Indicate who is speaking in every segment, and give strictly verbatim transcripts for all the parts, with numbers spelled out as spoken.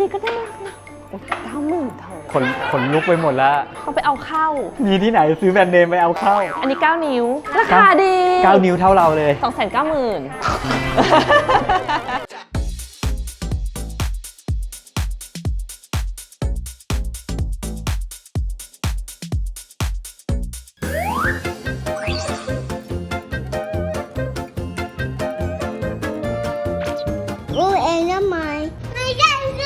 Speaker 1: นี้ก็ได้เก้าหมื่นเธอ
Speaker 2: ขนขนลุกไปหมดแล้ว
Speaker 1: ต้องไปเอาเข้า
Speaker 2: มีที่ไหนซื้อแบรนด์เนมไปเอาเข้า
Speaker 1: อันนี้เก้านิ้วราคาดี
Speaker 2: เก้านิ้วเท่าเราเลย
Speaker 1: สองแสนเก้าหมื่น
Speaker 3: รู้เองได้ไหมไม่ได้เลย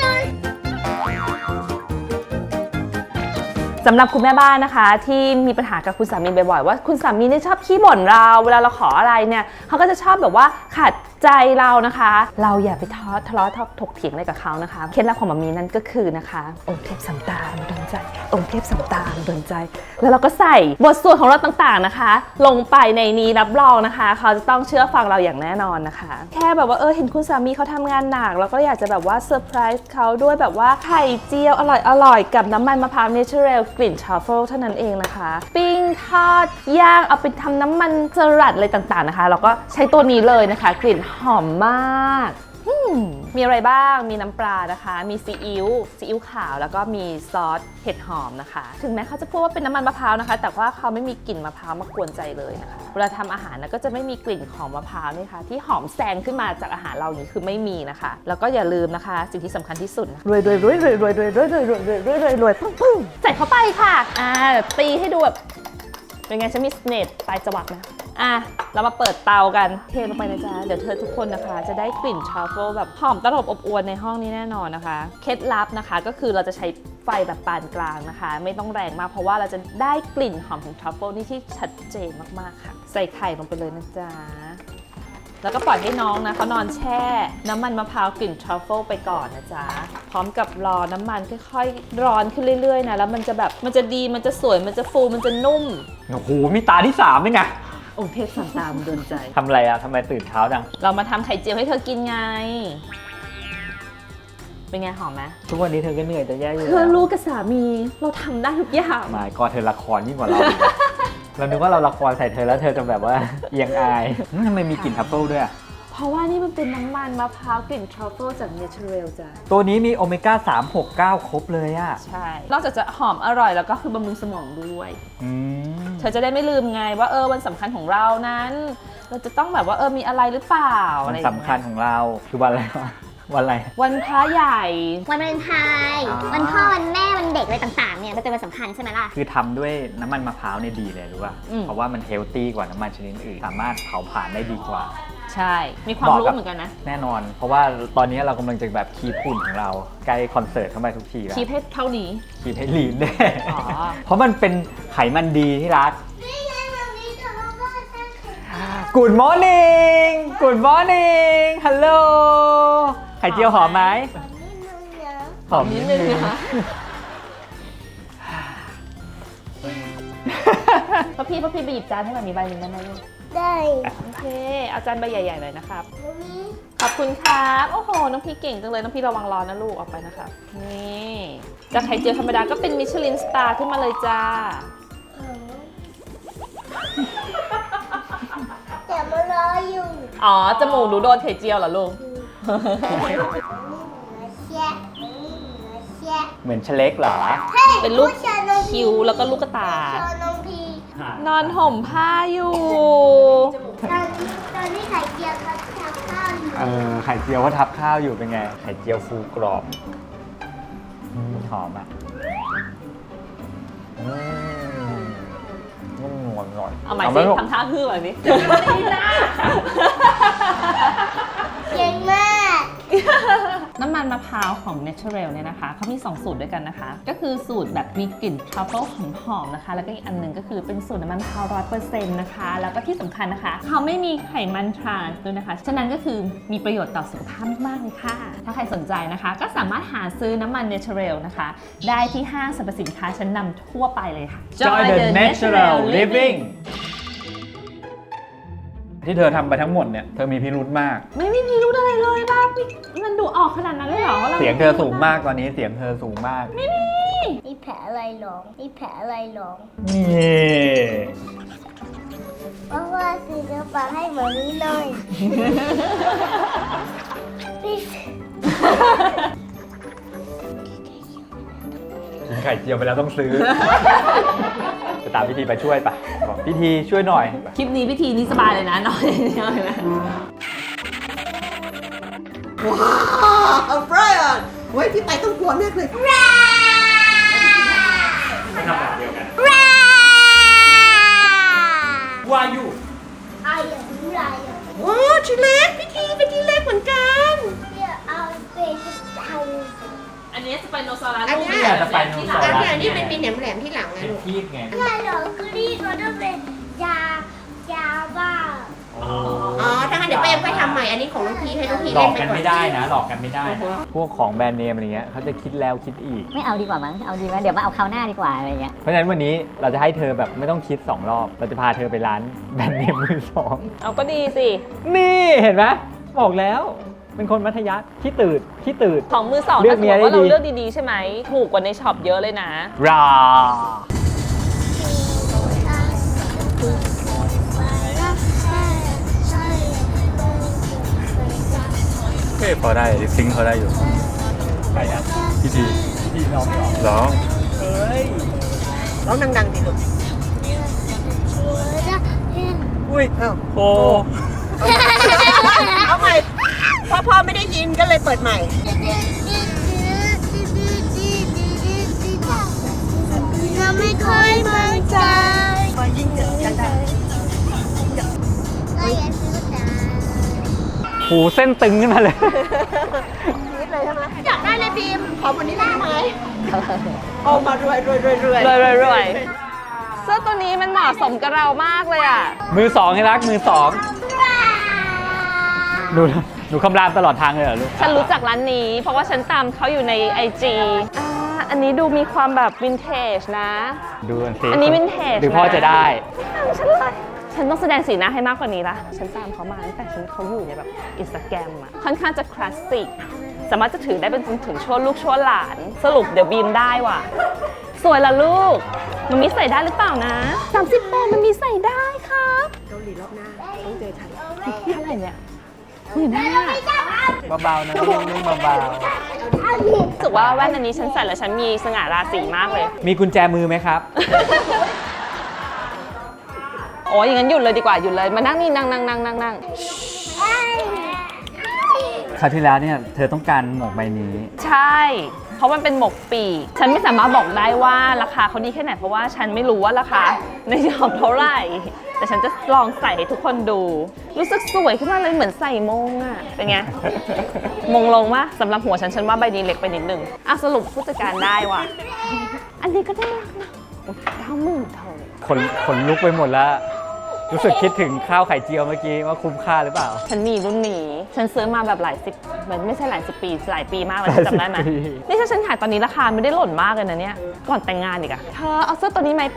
Speaker 1: สำหรับคุณแม่บ้านนะคะที่มีปัญหากับคุณสามีบ่อยๆว่าคุณสามีเนี่ยชอบขี้บ่นเราเวลาเราขออะไรเนี่ยเขาก็จะชอบแบบว่าขัดใจเรานะคะ เราอย่าไปท้อทะเลาะถกเถียงอะไรกับเขานะคะเคล็ดลับของมัมมี่นั่นก็คือนะคะองค์เทพสัมตามดลใจองค์เทพสัมตามดลใจแล้วเราก็ใส่บทสวดของเราต่างๆนะคะ ลงไปในนี้รับรองนะคะเขาจะต้องเชื่อฟังเราอย่างแน่นอนนะคะ แค่แบบว่าเออเห็นคุณสามีเขาทำงานหนักเราก็อยากจะแบบว่าเซอร์ไพรส์เขาด้วยแบบว่าไข่เจียวอร่อยๆกับน้ำมันมะพร้าวเนเชอรัลกลิ่นทรัฟเฟิลเท่านั้นเองนะคะปิ้งทอดย่างเอาไปทำน้ำมันสลัดอะไรต่างๆนะคะเราก็ใช้ตัวนี้เลยนะคะกลิ่นหอมมากมีอะไรบ้างมีน้ำปลานะคะมีซีอิ๊วซีอิ๊วขาวแล้วก็มีซอสเห็ดหอมนะคะถึงแม้เขาจะพูดว่าเป็นน้ำมันมะพร้าวนะคะแต่ว่าเขาไม่มีกลิ่นมะพร้าวมากวนใจเลยนะคะเวลาทำอาหารนะก็จะไม่มีกลิ่นของมะพร้าวนี่ค่ะที่หอมแซงขึ้นมาจากอาหารเราอย่างนี้คือไม่มีนะคะแล้วก็อย่าลืมนะคะสิ่งที่สำคัญที่สุดรวยรวยรวยรวยรวยรวยรวยรวยรวยรวยรวยรวยรวยปึ้งปึ้งใส่เข้าไปค่ะอ่าตีให้ดูแบบเป็นไงฉันมีสเนตปลายจวักไหมอ่ะเรามาเปิดเตากันเทลงไปนะจ๊ะเดี๋ยวเธอทุกคนนะคะจะได้กลิ่นทรัฟเฟิลแบบหอมตลบอบอวลในห้องนี้แน่นอนนะคะเคล็ดลับนะคะก็คือเราจะใช้ไฟแบบปานกลางนะคะไม่ต้องแรงมากเพราะว่าเราจะได้กลิ่นหอมของทรัฟเฟิลนี่ที่ชัดเจนมากๆค่ะใส่ไข่ลงไปเลยนะจ๊ะแล้วก็ปล่อยให้น้องนะเขานอนแช่น้ำมันมะพร้าวกลิ่นทรัฟเฟิลไปก่อนนะจ๊ะพร้อมกับรอน้ำมันค่อยๆร้อนขึ้นเรื่อยๆนะแล้วมันจะแบบมันจะดีมันจะสวยมันจะฟูมันจะนุ่ม
Speaker 2: โอ้โหมีตาที่สามด้วยไง
Speaker 1: องค์เทพสัมตามดลใจ
Speaker 2: ทำอะไรอะทำไมตื่นเช้าจัง
Speaker 1: เรามาทำไข่เจียวให้เธอกินไงเป็นไงหอมไหม
Speaker 2: ทุกวันนี้เธอก็เหนื่อยจะแย่อยู่
Speaker 1: เธอรู้กับสามีเราทำได้ทุกอย่าง
Speaker 2: หมายก็เธอละครยิ่งกว่าเรา เรานึกว่าเราละครใส่เธอแล้วเธอจะแบบว่าเอียงอายทำไมมีกลิ่นทัฟเฟิลด้วยอะ
Speaker 1: เพราะว่านี่มันเป็นน้ำมันมะพร้าวกลิ่นทรัฟเฟิลจากเนเชอรัลจ้ะ
Speaker 2: ตัวนี้มีโอเมก้าสาม หก เก้าครบเลยอะ
Speaker 1: ใช่นอกจากจะหอมอร่อยแล้วก็คือบำรุงสมองด้วย
Speaker 2: อืม
Speaker 1: เธอจะได้ไม่ลืมไงว่าเออวันสำคัญของเรานั้น เราจะต้องแบบว่าเออมีอะไรหรือเปล่า
Speaker 2: วั
Speaker 1: อะไร
Speaker 2: น
Speaker 1: อย่าง
Speaker 2: สำ
Speaker 1: เงี้ย
Speaker 2: คัญของเราคือวันอะไรวะวันอะไร
Speaker 1: วันพระใหญ่
Speaker 3: วันวาเลนไทน์
Speaker 2: อ๋อ
Speaker 3: วันพ่อวันแม่วันเด็กอะไรต่างๆเนี่ยมันเป็นวันสำคัญใช่ไหมล่ะ
Speaker 2: คือทำด้วยน้ำมันมะพร้าวเนี่ยดีเลยรู้ป่ะ เพราะว่ามันเฮลตี้กว่าน้ำมันชนิดอื่น สามารถเผาผลาญได้ดีกว่า
Speaker 1: ใช่มีความรู้เหมือนกันนะ
Speaker 2: แน่นอน เพราะว่าตอนนี้เรากำลังจะแบบคีบหุ่นของเราใกล้คอนเสิร์ตเข้าไปทุกทีแล้ว
Speaker 1: คีบให้เท่านี้
Speaker 2: คีบให้ลีนได้
Speaker 1: อ๋อ
Speaker 2: เพราะมันเป็นไขมันดีที่รัก Good morning Good morning Hello ไข่เจียวหอมไหมหอมนิดนึงนะคะ
Speaker 1: พ่อพี่พ่อพี่ไปหยิบจานให้มันมีใบหนึ่งได้ไหมลูก
Speaker 3: ได้
Speaker 1: โอเคเอาจานใบใหญ่ๆเลยนะครับ
Speaker 3: วันนี้
Speaker 1: ขอบคุณครับโอ้โหน้องพี่เก่งจังเลยน้องพี่ระวังร้อนนะลูกออกไปนะครับนี่จากไข่เจียวธรรมดาก็เป็นมิชลินสตาร์ขึ้นมาเลยจ้า
Speaker 3: แต่มารออยู่
Speaker 1: อ๋อจมูกหนูโดนไข่เจียวเหรอลูก
Speaker 3: เชียเชีย
Speaker 2: เหมือนเชเล็กเหรอ
Speaker 1: เป็นลูกคิ้วแล้วก็ลูกกระตา
Speaker 3: ชอน้องพี
Speaker 1: นอนห่มผ้าอยู่
Speaker 3: ตอนนี้ตอนนี้ไข่เจียวเขาทำข้าวอยู่
Speaker 2: เออไข่เจียวเขาทับข้าวอยู่เป็นไง ไข่เจียวฟูกรอบอืมหอมอ่ะอืมนุ่มนวลหน่อย
Speaker 1: เอาใหม่
Speaker 2: ไห
Speaker 1: สิ
Speaker 2: ลูก
Speaker 1: ทำท่าฮือแบบนี้
Speaker 3: เก่งมาก
Speaker 1: น้ำมันมะพร้าวของ Natural เนี่ยนะคะเขามีสองสูตรด้วยกันนะคะ ก็คือสูตรแบบมีกลิ่นทรัฟเฟิลหอมๆนะคะ แล้วก็อีกอันหนึ่งก็คือเป็นสูตรน้ำมันมะพร้าวร้อยเปอร์เซ็นต์นะคะ แล้วก็ที่สำคัญนะคะเขาไม่มีไขมันทรานส์ด้วยนะคะ ฉะนั้นก็คือมีประโยชน์ต่อสุขภาพมากๆเลยค่ะ ถ้าใครสนใจนะคะ ก็สามารถหาซื้อน้ำมัน Natural นะคะ ได้ที่ห้างสรรพสินค้าชั้นนำทั่วไปเลยค่ะ
Speaker 2: Joy the natural living ที่เธอทำไปทั้งหมดเนี่ย เธอมีพิรุธมาก
Speaker 1: ไม่มีพิรุธอะไรเลยบ้ามันดูออกขนาดนั้นเลยเหรอว่ารา
Speaker 2: เสียงเธอสูงมากตอนนี้เสียงเธอสูงมาก
Speaker 1: ไม่มี
Speaker 3: มีแผลอะไรหรอมีแผลอะไรหรอ
Speaker 2: นี่
Speaker 3: เพราะว่าซื้อเนื้อปลาให้หมามีหน่อยพี่
Speaker 2: ไข่เจียวไปแล้วต้องซื้อ จะตามพิธีไปช่วยปะบอกพิธีช่วยหน่อย
Speaker 1: คลิปนี้พิธีนี้สบายเลยนะนอนอย่างเดียวเลยนะ
Speaker 4: ว้าวไบรอันเว้ยพี่ไปต้องกลัวมากเลย
Speaker 2: ไม่ทำแบบเดียวกันวายุ
Speaker 3: ไอ้ยังไรอ่ะ
Speaker 4: ว้าวชิ้นเล็กพี่ทีเป็นที่เล็กเหมือนกัน
Speaker 3: เดี๋ยวเอาเป็นไทย
Speaker 1: อันนี้สไปโนซอรัส
Speaker 4: อันเนี้ย
Speaker 2: เนี่ยจะไปโนซอ
Speaker 4: อัน
Speaker 2: รัส
Speaker 4: เนี้ยนี่เป็นปีแหลมแหลมๆที่หลังนะ
Speaker 2: เป็น
Speaker 4: ลูก
Speaker 2: คีบไง
Speaker 3: ถ้าเรากรีดก็ต้องเป็นยายาบ้า
Speaker 4: อ๋อถ้างั้นเดี๋ยวไปเอ็มไปทำใหม่อันนี้ของน้องพีให้น้องพี
Speaker 2: หล
Speaker 4: เล่
Speaker 2: อน ก
Speaker 4: ไป
Speaker 2: กัน
Speaker 4: ก่อน
Speaker 2: ไม่ได้นะ หลอกกันไม่ได้นะพวกของแบรนด์เนมอะไรเงี้ยเขาจะคิดแล้วคิดอีก
Speaker 5: ไม่เอาดีกว่ามั้ง เอาดีไหมเดี๋ยวมาเอาคราวหน้าดีกว่าอะไรเงี้ย
Speaker 2: เพราะฉะนั้นวันนี้เราจะให้เธอแบบไม่ต้องคิดสองรอบ เราจะพาเธอไปร้านแบรนด์เนมมือสอง
Speaker 1: เอาก็ดีสิ
Speaker 2: นี่เห็นไหมบอกแล้ว เป็นคนมัธยัสถ์ขี้ตื่นขี้ตื่น
Speaker 1: ของมือสอง
Speaker 2: เลือก
Speaker 1: ถ้าสมมติว่า
Speaker 2: เมียได้
Speaker 1: เรา
Speaker 2: ดี
Speaker 1: เลือกดีๆใช่ไหมถูกกว่าในช็อปเยอะเลยนะ
Speaker 2: รา เฮ้พอได้ซิงเขาได้อยู่ใครอ่ะพี่ทีพี่ทีร้องร้องเฮ้ย
Speaker 4: ร้องดังๆดิลูก
Speaker 2: อุ้ยโอ้
Speaker 4: เอาใหม่พ่อพ่อไม่ได้ยินก็เลยเปิดใหม่
Speaker 3: เราไม่ค่อยมั่นใจ
Speaker 4: พอยิ่งเจอกันได้
Speaker 3: ก็อย่าซื้อตา
Speaker 2: หูเส้นตึงขึ้นมาเลย
Speaker 4: คิดเลยใช่ไหมอยากได้เลยบีมขอวันนี้ได้ไหมเอามารวยรวยรวยรวย
Speaker 1: รวยรวยรวยเสื้อตัวนี้มันเหมาะสมกับเรามากเลยอ่ะ
Speaker 2: มือสองให้รักมือสองหนูหนูคำรามตลอดทางเลยเหรอลูก
Speaker 1: ฉันรู้จักร้านนี้ เพราะว่าฉันตามเขาอยู่ใน ไอ จี อ่า อันนี้ดูมีความแบบวินเทจนะ
Speaker 2: ดูกันสิ
Speaker 1: อันนี้วินเทจ
Speaker 2: หรือพ่อจะได้
Speaker 1: ฉันเลยฉันต้องแสดงสีหน้าให้มากกว่านี้ละฉันตามเขามาตั้งแต่ฉันเขาอยู่ในแบบอินสตาแกรมอะค่อนข้างจะคลาสสิก สามารถจะถือได้เป็นจนถึงช่วลูกช่วหลาน สรุปเดี๋ยวบีมได้ว่ะ สวยละลูก มันมีใส่ได้หรือเปล่านะสามสิบแปดมันมีใส่ได้ครับ
Speaker 4: เกาหลีรอบหน้าต้องเจอฉัน
Speaker 1: เท่าไหร่เนี่ยหมื่นห้า
Speaker 2: เบาๆนะลูกเบา
Speaker 1: รู้สึกว่าแว่นอันนี้ฉันใส่แล้วฉันมีสง่าราศีมากเลย
Speaker 2: ๆมีกุญแจมือไหมครับ
Speaker 1: โอ้ยอย่างนั้นหยุดเลยดีกว่าหยุดเลยมานั่งนี่นั่งนั่งนั่งนั่งนั่ง
Speaker 2: คราวที่แล้วเนี่ยเธอต้องการหมวกใบนี้
Speaker 1: ใช่ เพราะมันเป็นหมกปีกฉันไม่สามารถบอกได้ว่าราคาเขาดีแค่ไหนเพราะว่าฉันไม่รู้ว่าราคาในช็อปเท่าไหร่ แต่ฉันจะลองใส่ให้ทุกคนดู รู้สึกสวยขึ้นมาเลยเหมือนใส่มงอะเป็นไง มงลงมะสำหรับหัวฉันฉันว่าใบนี้เล็กไปนิดนึงอ่ะสรุปผู้จัดการได้ว่ะ อันนี้ก็ได้รักนะเก้าหมื่นเท่า
Speaker 2: คนขนลุกไปหมดแล้ว รู้สึกคิดถึงข้าวไข่เจียวเมื่อกี้ว่าคุ้มค่าหรือเปล่า
Speaker 1: ฉันมีรุ่นนี้ ฉันซื้อมาแบบหลายสิบมันไม่ใช่หลายสิบปี หลายปีมากเลย
Speaker 2: หลายสิบ
Speaker 1: จำได้ไหม
Speaker 2: ปี
Speaker 1: นี่ถ้าฉันขายตอนนี้ราคาไม่ได้หล่นมากเลยนะเนี่ย ก่อนแต่งงานอีกอะเธอเอาเสื้อตัวนี้ไหมไป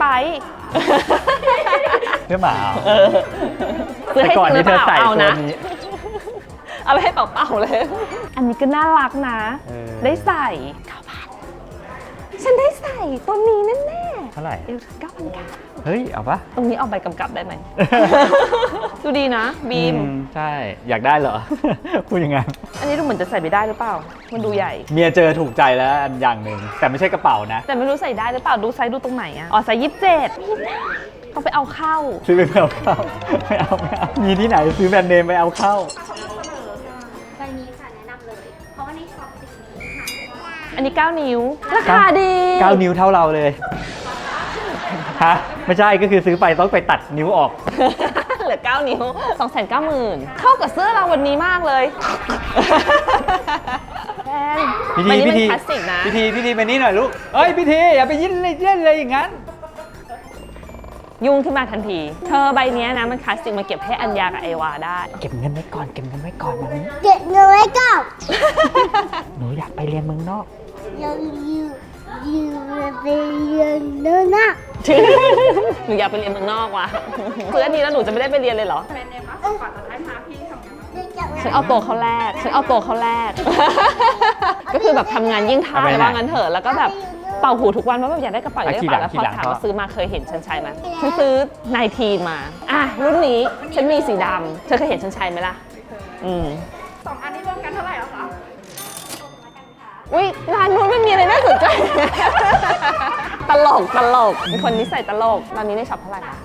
Speaker 2: เพื่อหมา
Speaker 1: เออซื้อ
Speaker 2: แต่
Speaker 1: ให้
Speaker 2: ก่อน
Speaker 1: ซื้
Speaker 2: ที่
Speaker 1: อ
Speaker 2: เธ
Speaker 1: เป
Speaker 2: อ
Speaker 1: ล่า
Speaker 2: ใส่
Speaker 1: เอา
Speaker 2: ตัว
Speaker 1: นะ
Speaker 2: นี้
Speaker 1: เอาไปให้เปล่าๆเลย อันนี้ก็น่ารักนะ
Speaker 2: เออ
Speaker 1: ได้ใส่เก้าพันฉันได้ใส่ตัวนี้แน่
Speaker 2: เท่าไหร่
Speaker 1: ๆเอวเก้าพันเก้า
Speaker 2: เฮ้ย เอาปะ
Speaker 1: ตรงนี้เอาใบกำกับได้ไหม ดูดีนะ บีม
Speaker 2: อืใช่ อยากได้เหรอ พูดยังไง
Speaker 1: อันนี้ดูเหมือนจะใส่ไม่ได้หรือเปล่า มันดูใหญ่
Speaker 2: เมียเจอถูกใจแล้วอันอย่างหนึ่ง แต่ไม่ใช่กระเป๋านะ
Speaker 1: แต่ไม่รู้ใส่ได้หรือเปล่า ดูไซส์ดูตรงไหนอะอ๋อไซส์ยี่สิบเจ็ดต้องไปเอาเข้า
Speaker 2: ซื้อไปเอาเข้าไม่เอาไม่เอามีที่ไหนซื้อแบรนด์เนมไปเอาเข้า
Speaker 3: ใบนี้ค่ะแนะนำเลย เพราะว่าในช็อปสีนี้ค่ะ
Speaker 1: อันนี้เก้านิ้ว ราคาดี
Speaker 2: เก้านิ้วเท่าเราเลย ฮะ ไม่ใช่ก็คือซื้อไปต้องไปตัดนิ้วออก
Speaker 1: เหลือเก้านิ้ว สองแสนเก้าหมื่น เข้ากับเสื้อเราวันนี้มากเลยแพง
Speaker 2: พิ
Speaker 1: ใบ
Speaker 2: ธี
Speaker 1: นี้
Speaker 2: พิ
Speaker 1: มัน
Speaker 2: ธี
Speaker 1: คลาสสิกนะ
Speaker 2: พิธีพิธีมานี่หน่อยลูกเอ้ยพิธีอย่าไปยิ้นเลยเล่นเลยอย่างนั้น
Speaker 1: ยุ่งขึ้นมาทันที เธอใบเนี้ยนะมันคลาสสิกมาเก็บให้อัญญากับไอวาได้
Speaker 2: เก็บเงินไว้ก่อนเก็บเงินไว้ก่อนแบบนี้
Speaker 3: เก็บเงินไว้ก่อน
Speaker 2: หนูอยากไปเรียนเมืองนอก
Speaker 3: ยังอยู่อยู่ไปเรียนเนื้อหน้า
Speaker 1: หนูอยากไปเรียนเมืองนอกว่ะซื้ออันนี้แล้วหนูจะไม่ได้ไปเรียนเลยเหรอ ฉันเอาตัวเขาแรก ฉันเอาตัวเขาแรก ก็คือแบบทำงานยิ่งทา
Speaker 2: เอาไป
Speaker 1: ย
Speaker 2: ไหน
Speaker 1: ว่างั้นเถอะ แล้วก็แบบเป่าหูทุกวันว่าแบบอยากได้กระเป๋าอยากได้กระเป๋าแล้ว
Speaker 2: ขี่
Speaker 1: พอ
Speaker 2: หลัง
Speaker 1: ถาม
Speaker 2: ขี่หลัง
Speaker 1: ว่าซื้อมาเคยเห็นฉันใช้ไหมฉันซื้อไนทีมา อ่ะรุ่นนี้ฉันมีสีดำเธอเคยเห็นฉันใช้ไหมล่ะ อืมสองอันนี้รวมกันเท่าไหร่แล้วคะ อุ้ยร้านนู้นมันมีอะไรน่าสนใจ ตลกตลกเป็นคนนิสัยตลกตอนนี้ได้ช็อปเท่าไหร่คะ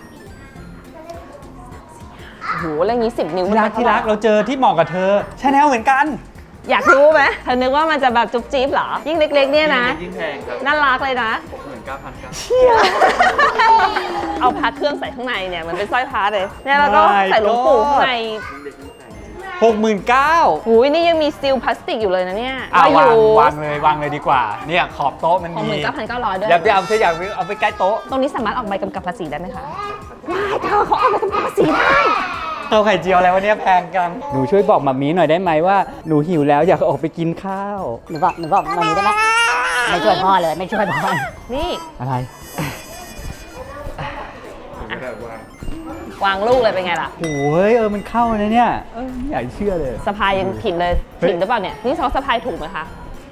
Speaker 1: โอ้โหเรื่องนี้สิบนิ้ว
Speaker 2: ที่รักที่รักเราเจอที่เหมาะกับเธอชาแนลเหมือนกัน
Speaker 1: อยากรู้ไหมเธอนึกว่ามันจะแบบจุ๊บจี๊บเหรอยิ่งเล็กๆเนี่ยนะ
Speaker 6: ยิ่งแพงครับ
Speaker 1: น่ารักเลยนะ
Speaker 6: หกหมื่นเก้าพันครับ
Speaker 1: เอาพระเครื่องใส่ข้างในเนี่ยมันเป็นสร้อยพระเลยเนี่ยแล้วก็ใส่หลวงปู่ข้างใน
Speaker 2: หกหมื่นเก้า
Speaker 1: หูยนี่ยังมีซีลพลาสติกอยู่เลยนะเนี่ย
Speaker 2: อ่ะ
Speaker 1: อ
Speaker 2: วาง
Speaker 1: ยู่
Speaker 2: วางเลยวางเลยดีกว่า เนี่ยขอบโต๊ะมัน
Speaker 1: ของ
Speaker 2: มี
Speaker 1: หมื่นเก้าพันเก้าร้อยด้วย
Speaker 2: อย่าไปเอาเธออยากเอาไปใกล้โต๊ะ
Speaker 1: ตรงนี้สามารถออกใบกำกับภาษีได้ไหมคะว้ายเธอเขาออกใบกำกับภาษีได้
Speaker 2: เอาไข่เจียวอะไรวะเนี่ยแพงกัน หนูช่วยบอกมัมมี่หน่อยได้ไหมว่าหนูหิวแล้วอยากออกไปกินข้าว
Speaker 5: หนูบอกหนูบอกวันนี้ได้ไหมไม่ช่วยพ่อเลยไม่ช่วยพ่อ
Speaker 1: นี่
Speaker 2: อะไร
Speaker 1: วางลูกเลยเป็นไงล่ะ
Speaker 2: โอ้ยเออมันเข้านะเนี่ยเออไม่อยากเชื่อเลย
Speaker 1: สะพายยังผิดเลย
Speaker 2: เฮ้ย
Speaker 1: ผิดหรือเปล่าเนี่ยนี่เขาสะพายถูกไหมคะ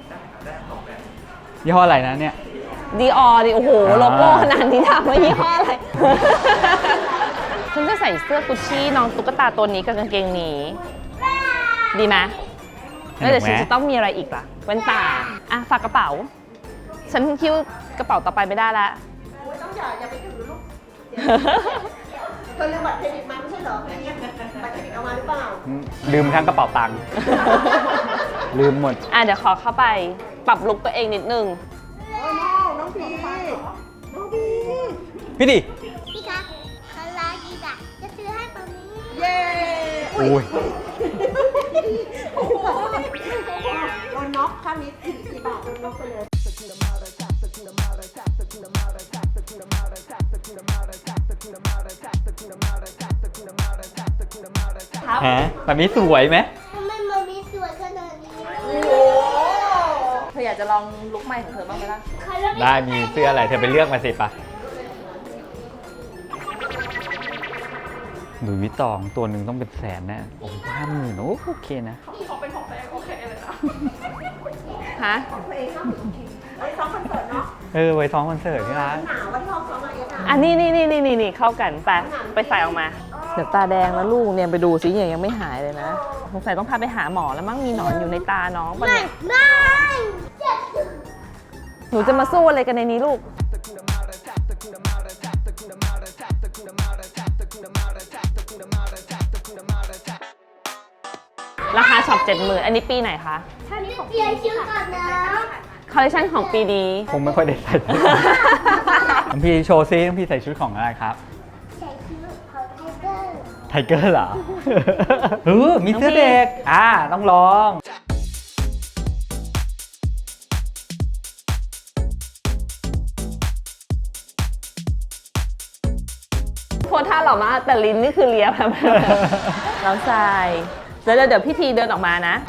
Speaker 2: ยี่ห้ออะไรนะเนี่ย
Speaker 1: ดีออดิโอ้โห
Speaker 2: อ่า
Speaker 1: โลโก้ขนาดนี้ถามว่ายี่ห้ออะไร ฉันจะใส่เสื้อกุชชี่น้องตุ๊กตาตัวนี้กับกางเกงนี้ ดีไหมแล้วเดี๋ยวฉันจะต้องมีอะไรอีกล่ะแว่นตาอ่ะฝากกระเป๋า ฉันคิ้วกระเป๋าต่อไปไม่ได้ละ
Speaker 4: ต้องอย่าอย่าไปถือลูกเธอลืมบัตรเครดิตมาไม่ใช่เหรอบัตรเครดิตเอามาหรือเปล่า
Speaker 2: ลืมทั้งกระเป๋าตังค์ ลืมหมด
Speaker 1: อ่ะเดี๋ยวขอเข้าไปปรับลุคตัวเองนิดนึง
Speaker 4: โอ้น้องน้องพีน้องพี
Speaker 2: พี่ดิ
Speaker 3: พี่คะคาราดีดะจะซื้อให้ตอนนี้
Speaker 4: เย้
Speaker 2: อุ้ย
Speaker 4: โอ้โหโดนน็อกข้างนี้สี่สี่บาทโดนน็อกไปเลย
Speaker 1: ครับ
Speaker 2: ฮะแบบนี้สวยไหม
Speaker 3: ทำไมมันมีสวยขนาดนี้
Speaker 1: เธออยากจะลองลุคใหม่ของเธอบ้างไหมล่ะ
Speaker 3: คารา
Speaker 2: ได้มีเสื้ออะไรเธอไปเลือกมาสิปะหลุยส์วิตตองตัวหนึ่งต้องเป็นแสนแน่โอ้ห้าหมื่นโอเคนะ
Speaker 1: ฮะ
Speaker 4: ไอ้ซ้อมคอนเสิร์ตเนาะ
Speaker 2: เออไว้ซ้อมคอนเสิร์ตที่ร้าน
Speaker 4: หนาวว่าที่ห้องซ้อมอะไรกัน
Speaker 1: อันนี้นี่นี่นี่นี่เข้ากันไปไปใส่ออกมาเดี๋ยวตาแดงแล้วลูกเนี่ยไปดูสิยังยังไม่หายเลยนะสงสัยต้องพาไปหาหมอแล้วมั้งมีหนอนอยู่ในตาน้องปะเนี่ย
Speaker 3: ไม่เจ็บ
Speaker 1: หนูจะมาสู้อะไรกันในนี้ลูกราคาช็อปเจ็ดหมื่นอันนี้ปีไหนคะ
Speaker 3: ท่านนี้เปลี่ยนชื่อก่อนนะ
Speaker 1: คอลเลคชันของปีนี้
Speaker 2: คงไม่ค่อยได้ใส่ น้องพี่โชว์ซิน้องพี่ใส่ชุดของอะไรครับ
Speaker 3: ใส่ชื่อของไทเกอร์
Speaker 2: ไทเกอร์เหรอ เออมีเสื้อเด็ก อ่า ต้องลอง
Speaker 1: โพสท่าหล่อมากแต่ลิ้นนี่คือเลียแบบ น้องทรายเดี๋ยวเดี๋ยวพี่ทีเดินออกมานะ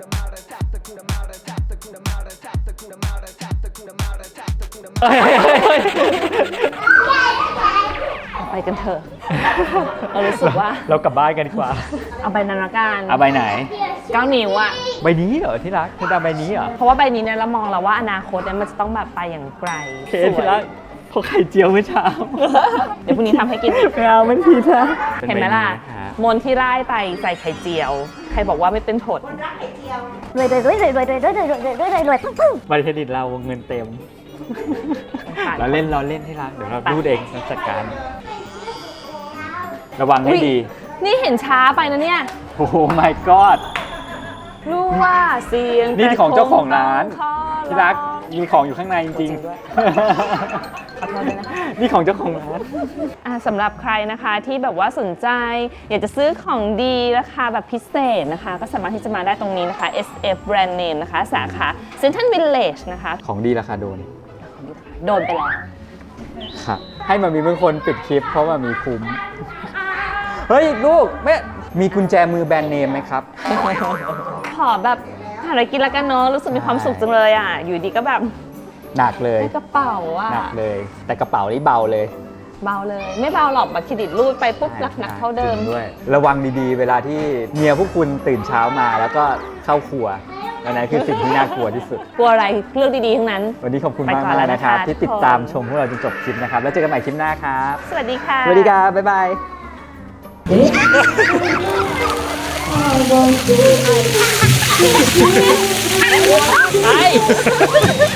Speaker 1: ไปกันเถอะ เรารู้สึกว่า
Speaker 2: เรากลับบ้านกันดีกว่า
Speaker 1: เอาใบนั้นละกัน
Speaker 2: เอาใบไหน
Speaker 1: เก้านิ้วอะ
Speaker 2: ใบนี้เหรอที่รักเธอจะเอาใบนี้เหรอ
Speaker 1: เพราะว่าใบนี้เนี่ยเรามองแล้วว่าอนาคตเนี่ยมันจะต้องแบบไปอย่างไกล
Speaker 2: เค
Speaker 1: สวย
Speaker 2: ที่รักพอไข่เจียวเมื่อเช้า
Speaker 1: เดี๋ยวพรุ่งนี้ทำให้กินอีก
Speaker 2: ไม่เอามันผิดนะ
Speaker 1: เห็นไหมล่ะ มนที่ไร่ไตใส่ไข่เจียว ใครบอกว่าไม่เป็นผล
Speaker 4: รักไข่เจียว
Speaker 5: รวยรวยรวยรวยรวยรวยรวยรวยรวยรวยรวยรวยปึ้งปึ้ง
Speaker 2: บัตรเครดิตเราเงินเต็ม เราเล่นเราเล่นที่รักเดี๋ยวเราดูดเองเราจัดการ ระวังให้
Speaker 1: อุ๊ย
Speaker 2: ดี
Speaker 1: นี่เห็นช้าไปนะเนี่ย
Speaker 2: โอ้โห my god
Speaker 1: รู้ว่าเสียง
Speaker 2: นี่ของเจ้าของร้าน
Speaker 1: แต่คงต้องขอ
Speaker 2: ที่รักมีของอยู่ข้างในจริง
Speaker 1: ด้วย
Speaker 2: ๆ
Speaker 1: ขอโทษด้วยนะคะ
Speaker 2: นี่ของเจ้าของร้าน
Speaker 1: อ่ะสำหรับใครนะคะที่แบบว่าสนใจ อยากจะซื้อของดีราคาแบบพิเศษนะคะ ก็สามารถที่จะมาได้ตรงนี้นะคะ เอส เอฟ Brand Name นะคะ สาขา Central Village นะคะ
Speaker 2: ของดีราคาโดน
Speaker 1: โดนไปแล้ว
Speaker 2: ครับให้มันมีเป็นคนปิดคลิปเพราะมันมีคุ้ม เฮ้ย ลูกแม่มีกุญแจมือแบรนด์เนมไหมครับ
Speaker 1: ขอแบบหาอะไรกินแล้วกันเนอะรู้สึกมีความสุขจังเลยอ่ะ อยู่ดีก็แบบ
Speaker 2: หนักเลย
Speaker 1: ได้กระเป๋าอ่ะ
Speaker 2: หนักเลย แต่กระเป๋านี่เบาเลย
Speaker 1: เบาเลย ไม่เบาหรอกบัตรเครดิตรูดไปปุ๊บหนักหนักๆเท่าเดิม
Speaker 2: จริงด้วย ระวังดีๆ เวลาที่เมียพวกคุณตื่นเช้ามาแล้วก็เข้าครัวอันนั้นคือสิ่งที่น่ากลัวที่สุด
Speaker 1: กลัวอะไรเรื่องดีๆทั้งนั้น
Speaker 2: วันนี้ขอบคุณ
Speaker 1: ไป
Speaker 2: มาก
Speaker 1: ก่อน
Speaker 2: มาก
Speaker 1: แล้ว
Speaker 2: นะครับ
Speaker 1: นะคะ
Speaker 2: ที่ติด
Speaker 1: ทุกคน
Speaker 2: ตามชมพวกเราจนจบคลิปนะครับ แล้วเจอกันใหม่คลิปหน้าครับ
Speaker 1: สวัสดีค่ะ
Speaker 2: สวัสดีครับ บ๊ายบาย
Speaker 1: ไป